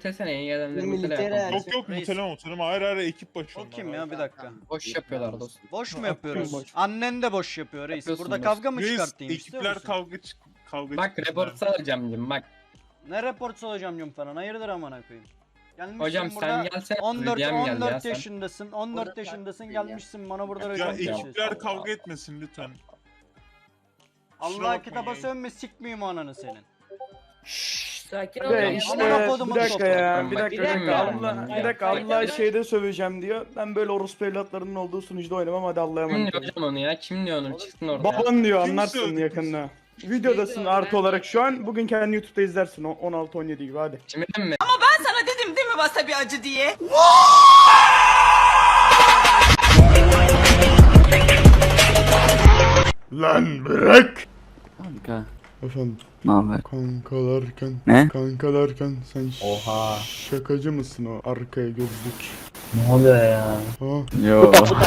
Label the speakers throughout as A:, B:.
A: Mutesene iyi adamları
B: Militer
A: mutele yapalım.
B: her-
C: Yok muteleme hayır ekip başı
D: O
C: onlar
D: kim
C: abi.
D: ya bir dakika.
A: Boş yapıyorlar dostum.
D: Boş mu
C: Ha,
D: yapıyoruz?
C: boş.
D: Annen de boş yapıyor reis.
A: Yapıyorsun
D: Burada
A: dostum.
D: kavga mı
C: Reis
D: çıkartayım istiyor
C: ekipler
D: musun?
C: kavga
A: Bak
C: çıksınlar.
A: report salacağım diyeyim bak.
D: Ne reportsu olacağım diyorum falan. Hayırdır amına koyayım. Gelmişsin
A: Hocam
D: burada
A: sen gelsene.
D: 14
A: Rüdiyem geldi ya
D: 14
A: sen.
D: yaşındasın. 14 yaşındasın gelmişsin bana burada
C: Ya
D: report
C: ekipler
D: yapıyorsun.
C: kavga etmesin lütfen.
D: Allah
C: bakmayın
D: kitaba
C: ya.
D: sönme sikmeyeyim ananı senin.
A: Şşş sakin ol.
E: Be
A: ya.
E: işte
D: Amına kodumun
E: bir dakika
D: toprağı.
E: ya bir
A: Bak,
E: dakika
A: bilmiyorum
E: Allah
A: ben
E: bir dakika
A: ya.
E: Allah şeyde söveceğim diyor. Ben böyle orospu evlatlarının olduğu sunucuda oynamam hadi Allah'a
A: Kim
E: emanet
A: diyor
E: olun.
A: hocam onu ya? Kim diyor onu? Çıksın orada.
E: Baban diyor
C: Kim
E: anlarsın
C: sövdü,
E: yakında. Videodasın artı olarak şu an bugün kendi YouTube'da izlersin 16-17 gibi hadi.
A: Kimin mi?
F: Sana dedim değil mi wasabi acı diye?
E: Lan bırak!
G: Kanka
E: Efendim
G: ne haber?
E: kankalarken
G: Ne?
E: kankalarken sen
A: Oha.
E: şakacı mısın o arkaya gözlük?
A: Ne oluyor ya?
E: Ha
G: Yo.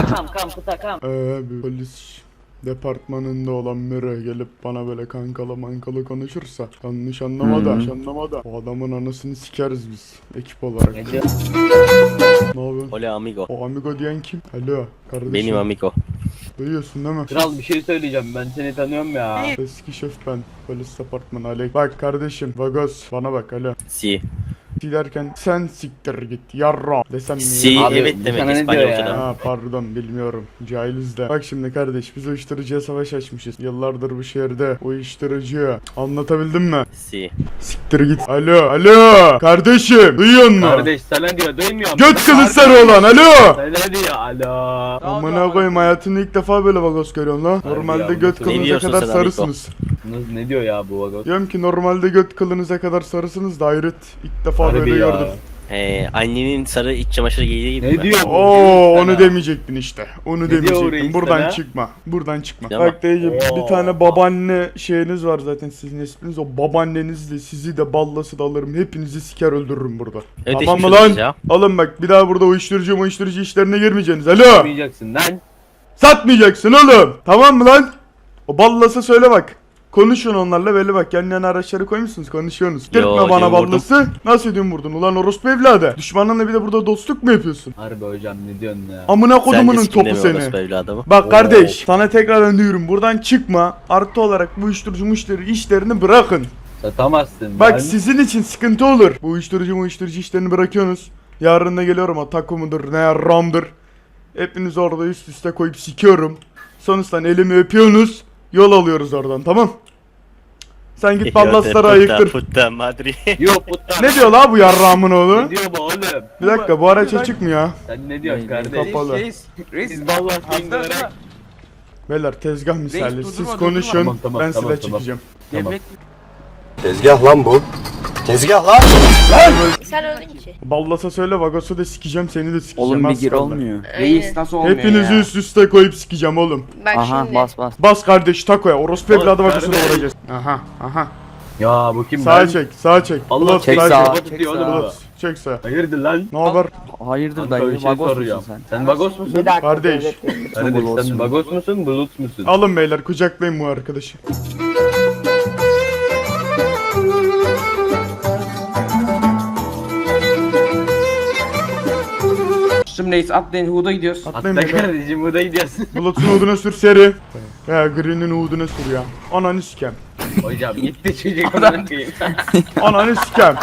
E: bir polis departmanında olan biri gelip bana böyle kankalı mankalı konuşursa yanlış anlama da, yanlış anlama da o adamın anasını sikeriz biz ekip olarak. Ne yapıyorsun?
H: Hola amigo.
E: O amigo diyen kim? Alo kardeşim.
H: Benim amigo.
E: Duyuyorsun değil mi?
I: Kral bir şey söyleyeceğim, ben seni tanıyorum ya.
E: Eski şef ben. Polis departmanı Alek. Bak kardeşim Vagos bana bak alo.
H: Si.
E: Derken sen siktir git yarra desem mi?
H: Si
I: Abi,
H: evet
I: bu
H: demek
I: sana ne
H: İspanyolca'da.
I: diyor ya?
E: Ha pardon bilmiyorum. Cahiliz de. Bak şimdi kardeş biz uyuşturucuya savaş açmışız. Yıllardır bu şehirde uyuşturucuya. Anlatabildim mi?
H: Si.
E: Siktir git. Alo kardeşim duyuyor musun?
I: Kardeş sana diyor, duymuyor
E: Göt kılı sarı olan alo.
I: Sana diyor, alo.
E: Amına koyayım hayatımda ilk defa böyle Vagos görüyorum lan. Normalde
I: ya,
E: göt
I: ne
E: kılınıza
H: diyorsun
E: kadar
H: sen amigo?
E: sarısınız.
I: Ne diyor ya bu vagon?
E: Diyorum ki normalde göt kılınıza kadar sarısınız da hayret ilk defa
I: Harbi
E: böyle
I: ya.
E: gördüm.
H: Annenin sarı iç çamaşırı giydiği gibi
I: Ne
H: mi?
I: diyor bu?
E: Oo
I: Sana.
E: onu demeyecektin işte. Onu
I: diyor
E: demeyecektin.
I: reis
E: Buradan
I: sana?
E: çıkma. Buradan çıkma.
H: Tamam.
E: Bak dayıcım
I: Oo.
E: bir tane babaanne şeyiniz var zaten sizin isminiz. O babaannenizle sizi de ballası da alırım. Hepinizi siker öldürürüm burada.
H: Evet,
E: Tamam mı
H: geçmiş
E: lan?
H: olsun ya.
E: Alın bak bir daha burada uyuşturucu işlerine girmeyeceksiniz. Alo.
I: Yapmayacaksın lan.
E: Satmayacaksın oğlum. Tamam mı lan? O ballası söyle bak. Konuşun onlarla böyle bak yan yana araçları koymuşsunuz konuşuyorsunuz. Gitme bana
H: diyorum, vurdum.
E: ballası. Nasıl diyorsun vurdun ulan orospu evladı. Düşmanınla bir de burada dostluk mu yapıyorsun?
I: Harbi hocam ne diyorsun ya?
E: Amına
H: Sen de
E: kodumunun topu
H: sikimleme
E: seni.
H: orası böyle adamı.
E: Bak
I: Oo.
E: kardeş sana tekrar diyorum buradan çıkma. Artı olarak bu uyuşturucu işlerini bırakın.
I: Satamazsın
E: Bak
I: lan.
E: sizin için sıkıntı olur. Bu uyuşturucu işlerini bırakıyorsunuz. Yarın da geliyorum o taco mudur ne ramdır. Hepinizi orada üst üste koyup sikiyorum. Sonuçta elimi öpüyorsunuz. Yol alıyoruz oradan tamam. Sen git ballasları ayıktır.
H: Putta madri.
I: Yok putta.
E: Ne diyor la bu yarrağımın oğlu?
I: Ne diyor bu oğlum?
E: Bir dakika bu araç açık mı ya?
I: Sen ne diyorsun kardeş?
E: Kapalı.
I: Siz vallahi dinleyerek.
E: Beyler tezgah misali
G: durma,
E: siz
G: durma.
E: konuşun
I: Tamam,
E: ben
I: tamam,
E: silah
I: tamam.
E: çekeceğim.
I: Tamam.
J: Tezgah lan bu. Tezgah lan.
K: Sen öldün ki.
E: Ballasa söyle Vagos'u da sikeceğim seni de sikeceğim.
G: Oğlum bir
E: az
G: gir
E: kaldı.
G: olmuyor.
K: Reis
G: nasıl olmuyor
E: Hepinizi
G: ya?
E: üst üste koyup sikeceğim oğlum.
K: Bak
G: Aha
K: şimdi.
G: bas bas.
E: Bas kardeş takoya orospu
I: Bas
E: evladı Vagos'u da
I: kardeş.
E: vuracağız. Aha.
I: Ya bu kim
E: Sağa
I: lan?
E: çek sağa çek.
I: Allah
E: Bulut,
G: çek
E: sağa
G: sağa.
I: Kafa tutuyor oğlum bu.
E: Bulut, çek sağa.
I: Hayırdır lan?
E: Ne haber?
G: Hayırdır
I: Kanka bir
G: dayı
I: şey
G: vagos
I: soruyorum.
G: musun sen?
I: Sen vagos musun?
E: Kardeş
I: Kardeş
G: Bulut
I: sen
G: musun?
I: vagos musun? Bulut musun?
E: alın beyler kucaklayın bu arkadaşı.
G: Şimdi reis atlayın Huda gidiyoruz.
E: Atlayın
I: Hatta
E: beyler.
I: kardeşim bu da gidiyorsun.
E: Bulut'un uduna sür seri. Ya Green'in uduna sür ya. Ananı sikem.
I: Hocam gitti çocuk bırakayım.
E: Ananı sikem.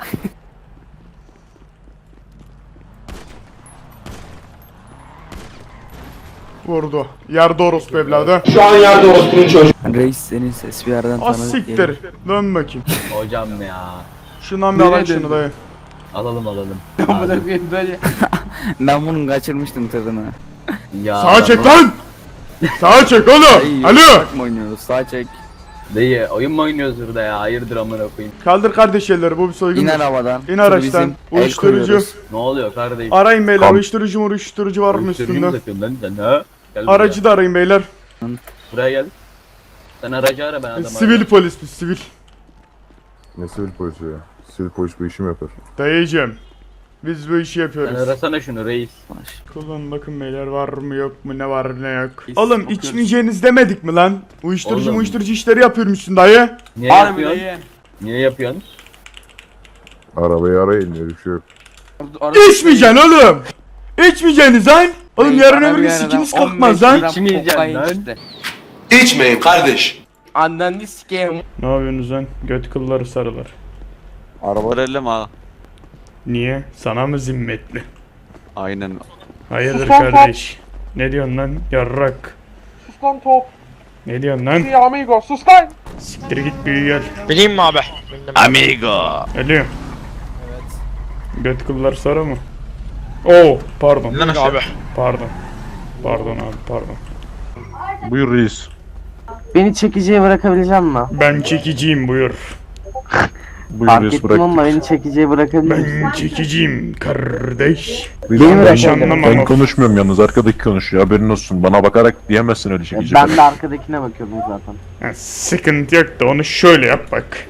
E: Vurdu. Yerde orospu evladı.
G: Reis senin ses bir yerden
E: Az
G: tanıdık
E: siktir. Dön bakayım.
I: Hocam ya.
E: Şundan bir alın şunu dayı.
I: Alalım.
G: böyle. Ben bunu kaçırmıştım tadını.
I: Ya.
E: Sağa çek lan. Sağa çek oğlum.
G: Dayı,
E: Alo.
G: yasak mı oynuyoruz? Sağ çek.
I: Dayı oyun mu oynuyoruz burada ya? Hayırdır amına koyayım.
E: Kaldır kardeş elleri bu bir soygun.
G: İn arabadan.
E: İn araçtan.
G: Bizim el
E: Uyuşturucu.
G: koyuyoruz.
I: Ne oluyor kardeşim?
E: Arayın beyler uyuşturucu var mı
I: Uyuşturucu mu
E: üstünde?
I: satıyorsun lan sen ha? Gel
E: Aracı da arayın beyler.
I: buraya gel. Sen aracı ara ben adamı
E: Sivil
I: arayayım.
E: polis biz sivil.
J: Ne sivil polisi ya? Sivil polis bu işi mi yapar?
E: Dayıcım. Biz bu işi
I: Sen
E: yapıyoruz.
I: arasana şunu reis.
E: Kullan bakın beyler var mı yok mu ne var ne yok.
G: Biz
E: Oğlum
G: bakıyoruz.
E: içmeyeceğiniz demedik mi lan? Uyuşturucu
I: Oğlum.
E: işleri yapıyormuşsun dayı.
I: Niye yapıyorsun? Niye yapıyorsun?
J: Arabayı arayın öyle bir şey yok.
E: İçmeyeceksin oğlum. İçmeyeceksiniz lan. Oğlum yarın öbür gün sikiniz kalkmaz lan.
B: İçmeyin kardeş.
G: Anneni sikeyim.
E: Ne yapıyorsunuz lan? Göt kılları sarılar.
J: Araba
H: Verelim ha.
E: Niye? Sana mı zimmetli?
H: Aynen.
E: Hayırdır kardeş? Ne diyorsun lan? Yarrak.
C: Sus lan top.
E: Ne diyorsun lan?
C: Amigo sus lan.
E: Siktir git büyü gel.
I: Bileyim mi abi?
H: Amigo.
E: Geliyorum. Evet. Göt kıllar sarı mı? Oo, pardon.
I: Abi.
E: Pardon. Pardon abi, pardon.
J: Buyur reis.
G: Beni çekiciye bırakabilecek misin?
E: Ben çekiciyim buyur.
J: Buyur
G: Fark
J: reis
G: ettim
J: bırak.
G: ama beni çekiciye bırakabilir misin?
E: Ben çekiciyim kardeş.
J: Reis,
G: Beni bırak.
E: Yanlış anlama
J: ben
E: ama.
J: konuşmuyorum yalnız arkadaki konuşuyor haberin olsun. Bana bakarak diyemezsin öyle çekici.
G: Ben de arkadakine bakıyordum zaten.
E: Ha, sıkıntı yok da onu şöyle yap bak.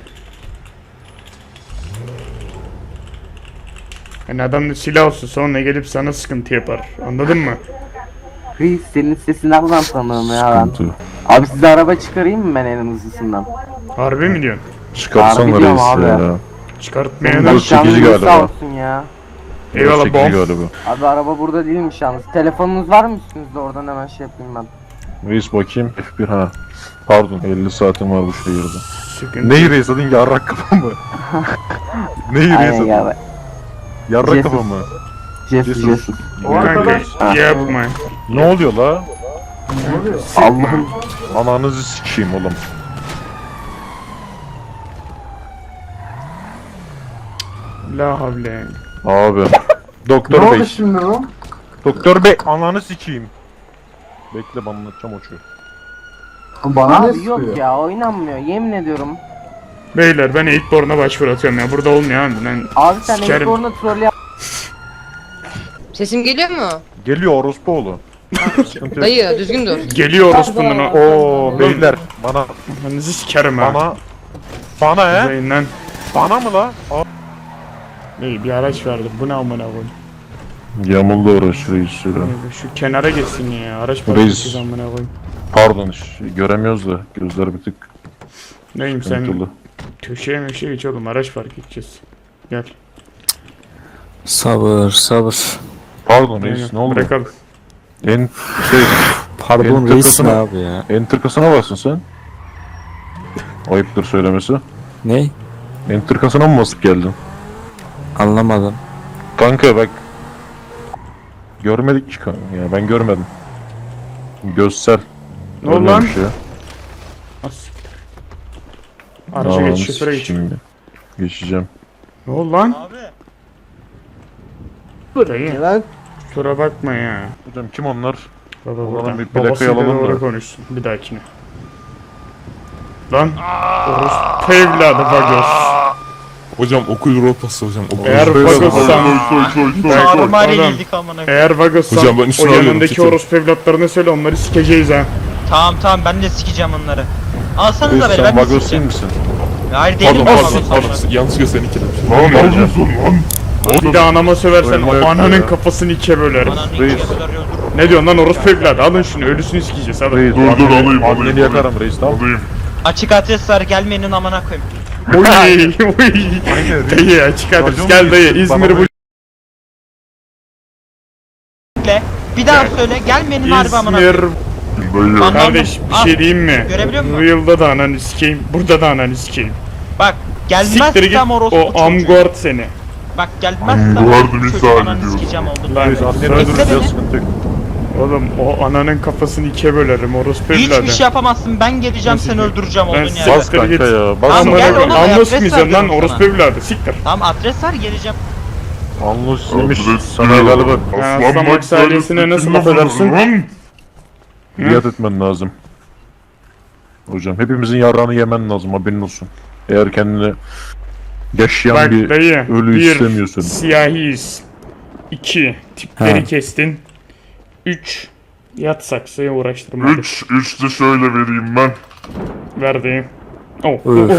E: Yani adam da silah olsun sonra gelip sana sıkıntı yapar. Anladın mı?
G: Reis senin sesini nereden tanıyorum ya ben?
J: Sıkıntı.
G: Abi size araba çıkarayım mı ben en hızlısından?
E: Harbi mi diyorsun?
J: Çıkarsana
G: Harbi diyorum
J: reis
G: abi.
J: ya.
E: Çıkartmaya
J: Bu
E: da.
J: çekici
G: Canınız
J: galiba.
G: sağ olsun ya.
E: Eyvallah
J: Çekici
E: bom.
J: galiba.
G: Abi araba burada değilmiş yalnız. Telefonunuz var mı üstünüzde? Oradan hemen şey yapayım ben.
J: Reis bakayım. F1 ha. Pardon 50 saatim var bu şehirde.
E: Sıkıntı.
J: Neyi reis adın yarrak kafa mı? Neyi reis
G: Aynen
J: adın?
G: ya.
J: Yarrak
G: Jesus.
J: kafa mı?
G: Jesus.
E: Kanka yapma.
J: Ne oluyor la?
G: Allah'ım.
J: Ananızı sikeyim oğlum.
E: La havle.
J: Abi. Doktor bey. Şimdi Doktor bey ananı sikeyim. Bekle ben anlatacağım o çocuğu.
G: Abi yok ya oynanmıyor yemin ediyorum.
E: Beyler ben Eightborn'a başvuru atıyorum ya. Burada olmuyor abi. Ben
G: Abi sen
E: sikerim.
G: ilk orada troll yap.
K: Sesim geliyor mu?
J: Geliyor orospuoğlu. Sıkıntı yok.
K: Dayı düzgün dur.
E: Geliyor orospunun o.
J: Oo beyler bana
E: Ananızı sikerim ha.
J: bana he?
E: Zeynlen.
J: Bana mı la?
E: İyi bir araç verdim. Bu ne amına koyayım.
J: Yamuldu uğraş reis şöyle.
E: Şu kenara geçsin ya. Araç
J: Reis.
E: parçası amına koyayım.
J: Pardon göremiyoruz da gözler bir tık
E: Neyim sen?
J: sıkıntılı.
E: Köşeye meşeye geç oğlum. Araç fark edeceğiz. Gel.
G: Sabır sabır.
J: Pardon reis
E: Aynen,
J: ne oldu?
E: Bırakalım.
J: En şey
G: Pardon
J: reis ne
G: abi ya?
J: enter kasına basın sen. Ayıptır söylemesi.
G: Ne?
J: Enter kasına mı basıp geldin?
G: Anlamadım.
J: Kanka bak. Görmedik ki kanka ya ben görmedim. Göster.
E: Ne oldu
J: Öyle
E: lan?
J: bir şey.
E: Az siktir. Araca
J: Aa,
E: geç. Şoföre geç.
J: şimdi. Geçeceğim.
E: Ne oldu lan? Abi. Dayı. Kusura bakma ya.
J: Hocam kim onlar?
E: Baba
J: Oğlum
E: buradan.
J: bir plakayı
E: Babasıyla
J: alalım
E: doğru
J: da.
E: konuşsun. Bir dahakine. Lan. Orospu evladı Vagos.
C: Hocam okul rotası hocam. Okul
E: Eğer Vagos'san.
D: Çağrımari
E: Oğlum,
D: geldik amına.
E: Eğer Vagos'san
C: Hocam ben
E: o
C: üstüne alıyorum,
E: yanındaki
C: çekin.
E: orospu evlatlarına söyle onları sikeceğiz ha.
D: Tamam ben de sikeceğim onları. Alsanıza
J: Reis
D: beni
J: sen
D: ben de
J: Vagos değil
D: sikeceğim.
J: misin?
D: Hayır değilim
C: Pardon
D: ben
C: pardon
D: Vagos'um.
C: pardon. Yanlış gösteren iki
E: Bir de anama söversen
J: Öyle
E: o
J: yok
E: ananın
J: ya.
E: kafasını ikiye bölerim.
D: Ananı
J: Reis.
D: ikiye böler öldürürüm.
E: Ne diyorsun lan orospu evladı? Alın şunu ölüsünü sikeceğiz hadi.
J: Reis
C: alayım,
J: anneni yakarım reis tamam.
D: Açık adres var gelmeyin amına koyayım.
E: Oy dayı açık adres
J: Racon
E: gel dayı
J: reis,
E: İzmir
J: bana
E: bu
D: Bir daha söyle gelmeyin harbi amına
E: İzmir
D: koyayım. Anladım.
E: kardeş bir
D: Al.
E: şey diyeyim mi?
D: Görebiliyor musun?
E: Real'da da ananı sikeyim burada da ananı sikeyim.
D: Bak
E: Siktir git
D: gelmezsem orospu
E: o
D: çocuğu.
E: Amguard seni.
D: Bak gelmezsem orospu çocuğu ananı sikeceğim oldu.
E: Lan
J: Reis anneni
E: söz-
J: öldürürüz ya
D: beni.
J: sıkıntı yok.
E: oğlum o ananın kafasını ikiye bölerim orospu evladı.
D: Hiçbir şey yapamazsın ben geleceğim
E: Nasıl
D: seni
E: diyeyim?
D: öldüreceğim
E: Ben
D: oldun
E: size-
D: yani.
J: Bas kanka
E: git.
J: ya. Bas
D: Tamam, gel oğlum,
E: Anlos
D: adres
E: muydun lan
D: ver
E: orospu
D: sana.
E: evladı siktir.
D: Tamam adres var geleceğim.
J: Anlosiymiş sana galiba.
E: Aslan Max ailesine nasıl laf edersin?
J: Dikkat etmen lazım. Hocam hepimizin yarrağını yemen lazım haberin olsun. Eğer kendini yaşayan
E: Bak
J: bir
E: dayı
J: ölü
E: bir
J: istemiyorsun.
E: siyahiyiz. 2 tipleri kestin. 3 yat saksıya uğraştırma.
C: 3 de şöyle vereyim ben.
E: Ver dayı. Oh,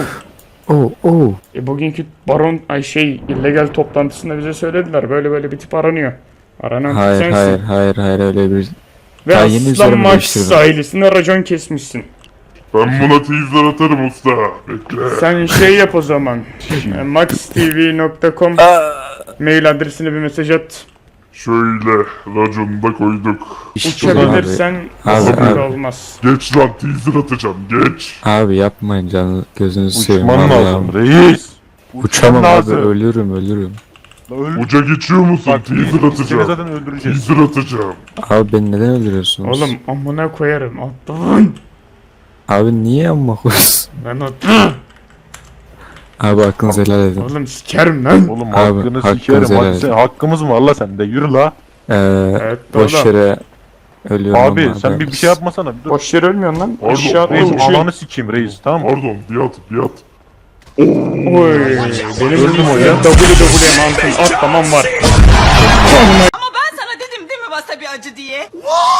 E: bugünkü baron illegal toplantısında bize söylediler böyle böyle bir tip aranıyor. Aranan tip sensin.
G: hayır öyle bir.
E: Ve
G: daha yeni
E: Aslan
G: üzerime
E: Max
G: değiştirdim.
E: ailesine racon kesmişsin.
C: Ben buna teaser atarım usta. Bekle.
E: Sen şey yap o zaman. maxtv.com mail adresine bir mesaj at.
C: Şöyle raconu da koyduk.
E: Uçabilirsen sıkıntı olmaz.
C: Geç lan teaser atacağım geç.
B: Abi yapmayın canı gözünüzü seveyim.
J: Uçman
B: vallahi.
J: lazım reis.
B: Uçamam abi
J: lazım.
B: ölürüm.
C: Uca geçiyor musun?
J: Bak
C: Teaser
J: seni
C: atacağım.
J: zaten öldüreceğiz.
C: Teaser atacağım.
B: Abi beni neden öldürüyorsunuz?
E: Oğlum amına koyarım atlan.
B: Abi niye amma koyuyorsun?
E: Ben atlan.
B: Abi hakkınızı helal edin.
E: Oğlum sikerim lan.
J: Oğlum
B: Abi,
J: hakkını
B: hakkınızı
J: sikerim.
B: helal
J: Hadi
B: edin.
J: hakkımız mı var la sende? Yürü la.
E: Evet
B: Boş
E: oğlum.
B: yere ölüyorum
J: Abi
B: ama
J: sen bir şey yapmasana. Dur.
E: Boş yere ölmüyorsun lan.
C: Pardon,
E: Aşağıda
C: pardon.
J: Reis
E: uçuyor.
J: ananı sikeyim reis tamam mı?
C: Pardon bir at.
E: Oy. Benim öldüm o ya. WWE mantın at tamam var.
F: Ama ben sana dedim değil mi wasabi acı diye?